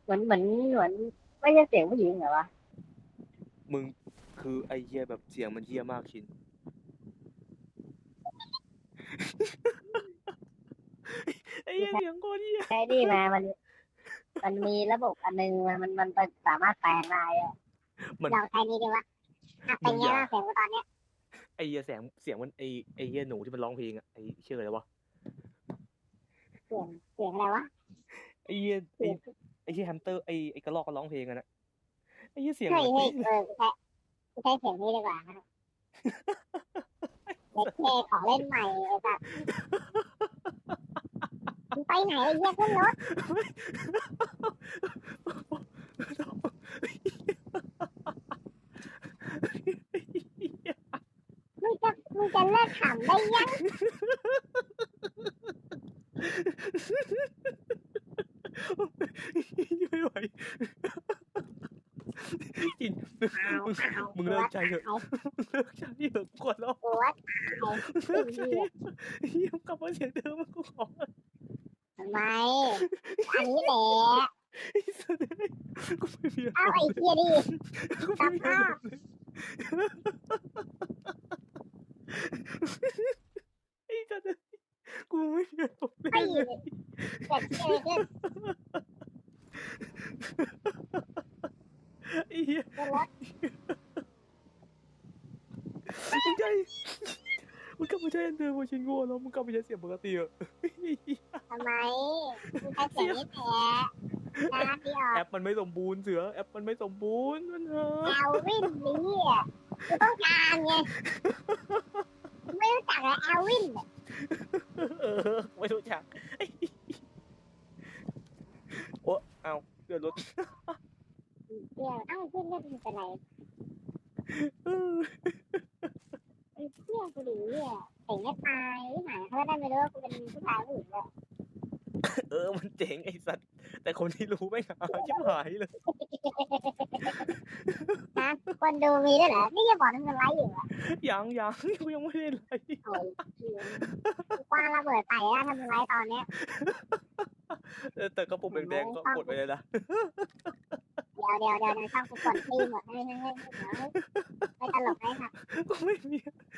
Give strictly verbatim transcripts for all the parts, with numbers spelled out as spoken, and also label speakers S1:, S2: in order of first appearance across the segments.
S1: เหมือนเหมือนเหมือนไม่ใช่เสียงผู้หญิงเหรอวะ
S2: มึงคือไอ้เหี้ยแบบเสียงมันเหี้ยมากชินไอ้เหี้
S1: ที่ใช้
S2: ยเสียงโคตรเหี้ย
S1: ใช้นี่มามันมันมีระบบอันนึงมันมันมันสามารถแปลงได้อะ
S2: มัน
S1: ลองใช้นี้ดีวะอ่ะเป็นไง
S2: มึงอย่า
S1: บ้างเสียงกูตอนเนี้ย
S2: ไอ้เหี้ยเสียงเสียงมันไอ้ไอ้เหี้ยหนูที่มันร้องเพลงอะไอ้ชื่ออะไรวะ
S1: เสียงเสียงอะไรวะ
S2: ไอ้เหี้ยไอ้
S1: เสียง
S2: ไอ้เหี้ยแฮมสเตอร์ไอ้ไอ้กระรอกก็ร้องเพลงอะนะไอ้เหี้ยเสียง
S1: เฮ้ยเฮ้ย
S2: เหมือนเป๊ะเลย
S1: เออกูใช้กูใช้เสียงนี้ดีกว่านะเด็กเท่ขอเล่นใหม่ไอ้สัสมึงไปไหนไอ้เหี้ยขึ้นรถมึงจะมึงจะเลิกขำได้ยัง
S2: ไม่ไหวจิน
S1: อ้าว
S2: มึง
S1: อ้าว
S2: มึง
S1: กูว่า
S2: เลิกใจเถอะ
S1: ตาย
S2: มึงเลิกใจเถอะกดแล้ว
S1: กูว่าตาย
S2: มึงเลิ
S1: ไอ้
S2: กใจ
S1: เหี้ย
S2: เหี้ยกลับมาเสียงเดิมกูขอ
S1: ทำไมอันนี้แหละ
S2: ไอ้สัสกูไม่มีอา
S1: เอาไอ้
S2: รมณ์เลย
S1: เหี้ยดิ
S2: กู
S1: ส
S2: ไม่มี
S1: ภาพ
S2: อารมณ์เลยไอ้สัสกูไม่มีอารมณ์เล
S1: ไอ้
S2: ย
S1: เกิดเกิดขึ้น
S2: ไอ้เหี้ย
S1: ขึ้นรถ
S2: มึงใจมึงกลับมาใช้อันเดิมมาชินโง่แล้วมึงกลับมาใช้เสียงปกติเหรอ
S1: ทำไมมึงใช้เสีย
S2: เสียง
S1: งนี้แหละนะที่ออก
S2: แอปมันไม่สมบูรณ์เสือแอปมันไม่สมบูรณ์มันเถอ
S1: แอ
S2: ะ
S1: ลวินนี่อ่ะกูต้องการไงไม่รู้จักเลยแอลวินเนี่ย
S2: เออไม่รู้จักโอ้เอาเกิดรถ
S1: เดี๋ยวเอ้าเพื่อนเล่นเป็นไรไอ้เพื่อนกูดีอ่ะเก่งไม่ตายหายเขาได้ไม่รู้ว่ากูเป็นผู้ชายผู้หญิงเลย
S2: เออมันเจ๋งไอ้สัตว์แต่คนที่รู้ไม่หาชิบหายเลย
S1: ฮะคนดูมีด้วยเหรอนี่ยังบอกนั่นมันไลฟ์อยู่อ่ะ
S2: ยังยังกูยังไม่ได้ไลฟ์
S1: โอ้ยกว้างระเบิดใส่แล้วทำไลฟ์ตอนเนี้ย
S2: แต่ก็ปุ่มแดงๆก็
S1: ช่องกู
S2: กดไปเลยนะ
S1: เดี๋ยวเดี๋ยวเดี๋ยวช่องกูกดตีหมดให้ให้ให้เดี๋ยวไม่ตลกให้ค่ะ
S2: ก็ไม่มี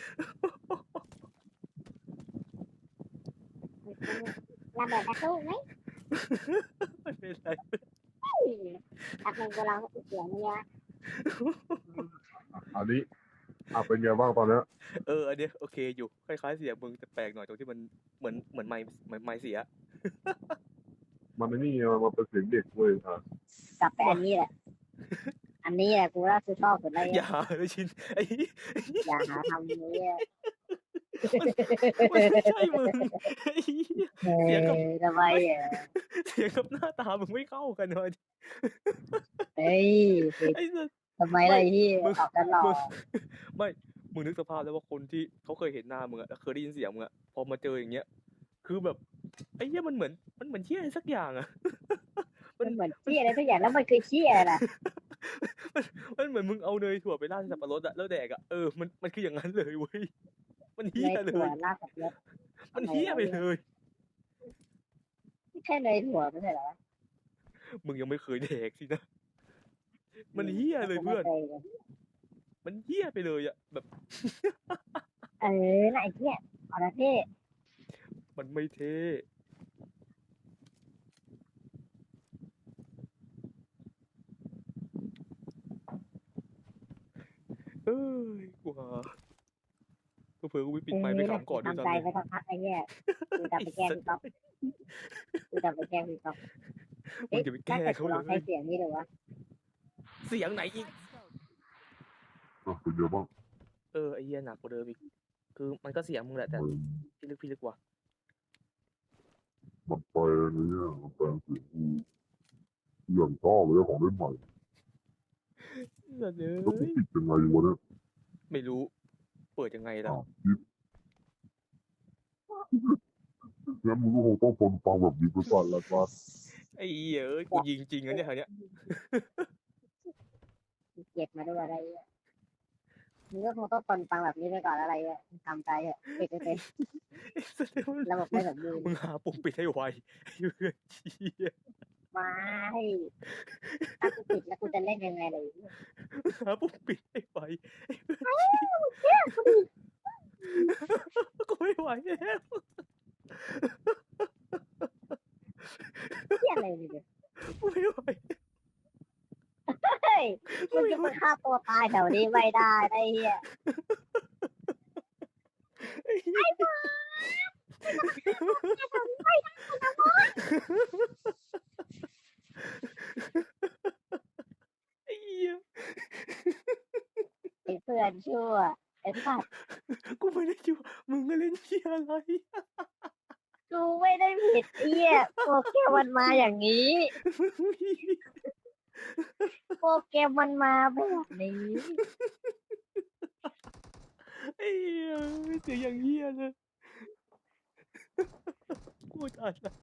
S1: ระเบิดกระตุ้นไหม
S2: ไม่เป็นไร
S1: แป๊บนึงกูลองเสียงเยอะ
S3: อันนี้อ่ะเป็นไงบ้างตอนเนี้ย
S2: เอออันเนี้ยโอเคอยู่คล้ายๆเสียงมึงแต่แปลกหน่อยตรงที่มันเหมือนเหมือนไม้เหมือนไม้เสีย
S3: มันไม่นี่ไงมันเป็นเสียงเด็กเว้ยอ่ะ
S1: กลับไปอันนี้แหละอันนี้แหละกูว่าคือชอบสุดเลย
S2: อย่าเลยชินไอ้
S1: อย่าหาทำนี้
S2: มันไม่ใช่มึงไอ้เสียงกับ
S1: ทำไมอ่ะ
S2: เสียงกับหน้าตามึงไม่เข้ากันเลย
S1: เฮ้ย
S2: ไอ้สัส
S1: ทำไมอะไร
S2: ไม่
S1: ที่
S2: มึง
S1: ตอบตลอ
S2: มึง
S1: ด
S2: ไม่มึงนึกสภาพแล้วว่าคนที่เขาเคยเห็นหน้ามึงอะแล้วเคยได้ยินเสียงมึงอะพอมาเจออย่างเงี้ยคือแบบไอ้เหี้ยมันเหมือนมันเหมือนเหี้ยอะไรสักอย่างอะมั
S1: มัน นเหมือนเชี่ยอะไรทุกอย่างแล้วมันคือเชี่ยอะไร
S2: มันมันเหมือนมึงเอาเนยถั่วไปราดสับปะรดอะแล้วแดกอะเออมันมันคืออย่างนั้นเลยเว้ยมัน
S1: เน
S2: เหี้ย
S1: ยถั่ว
S2: เลย
S1: ราดสับปะรด
S2: มันเหี้ยไปเลย
S1: ไม่ใช่เนยถั่วไม่ใช่เหรอ
S2: มึงยังไม่เคยแดกสินะมันเหี้ยเลยเพื่อนมันเหี้ยไปเลยอะแบบ
S1: เออน่ะไอ้เชี่ยเอาละพี่
S2: มันไม่เท่เอ้ยกูหาเผื่อๆกูไปปิ
S1: เอ
S2: ดไมค์ไป
S1: อน่ะ
S2: ขำก่อนด้วย
S1: ทำใจ
S2: ซ้ำเลย
S1: ไปสักพักไอ้เนี่ยกูจะ
S2: ไอ้
S1: ไปแกล้ง
S2: สัส
S1: พี่ก๊อฟกูจะไปแกล้งพี่ก๊อฟ
S2: มึง
S1: เอ๊ะ
S2: จะไปแก
S1: ถ้า
S2: ล้ง
S1: เกิดกูลองใช้
S2: เขาเลย
S1: เสียงนี้ดูวะ
S2: เสียงไหนอีก
S3: อ่ะเป็นไงบ้าง
S2: เออไอ้เหี้ยหนักกว่าเดิมอีกคือมันก็เสียงมึงแหละแต่
S3: เออ
S2: พี่ลึกพี่ลึกว่ะ
S3: มันแปลงไอ้เนี่ยมันแปลงเสียงกูอย่างชอบเลยของเล่นใหม่
S2: สัสเล
S3: แล้วกู
S2: ย
S3: ปิดยังไงวะเนี่ย
S2: ไม่รู้เปิดยังไงล่ะ
S3: อ่ะปิดงั้นมึงก็คงต้องทนฟังแบบนี้ไปก่อนละกัน
S2: ไอ้เหี้ยเอ้ยกูยิงจริงนะเนี่ยคราวเนี้ย
S1: เก็บมาด้วยอะไรเงี้ยมึงก็คงต้องทนฟังแบบนี้ไปก่อนอะไรเงี้ยทำใจเถอะปิดไปเลย
S2: ไอ้สัสเลยมึง
S1: ระบบไม่สมบูรณ์
S2: มึงหาปุ่มปิดให้ไวไอ้เพื่อนเหี้ย
S1: ไม่ถ้ากูปิดแล้วกูจะเล่นยังไงเลย
S2: หาปุ่มปิดให้ไวกูไม่ไหวแล้ว
S1: เที่ยอะไรเนี่ย
S2: กูไม่ไหว
S1: เฮ้ยมึงจะมาฆ่าตัวตายแถวนี้ไม่ได้ไอ้เหี้ย
S2: ไอ้เหี้ยไอ้เหี้ย
S1: ไอ้เพื่อนชั่วไอ้สัตว์
S2: กูไม่ได้คิดว่ามึงก็เล่นเหี้ยอะไร
S1: กูไม่ได้ผิดไอ้เหี้ยโปรแกรมมันมาอย่างนี้ โปรแกรมมันมาแบบนี้
S2: ไอ้เหี้ยเสียงอย่างเหี้ยเลยกูตายละ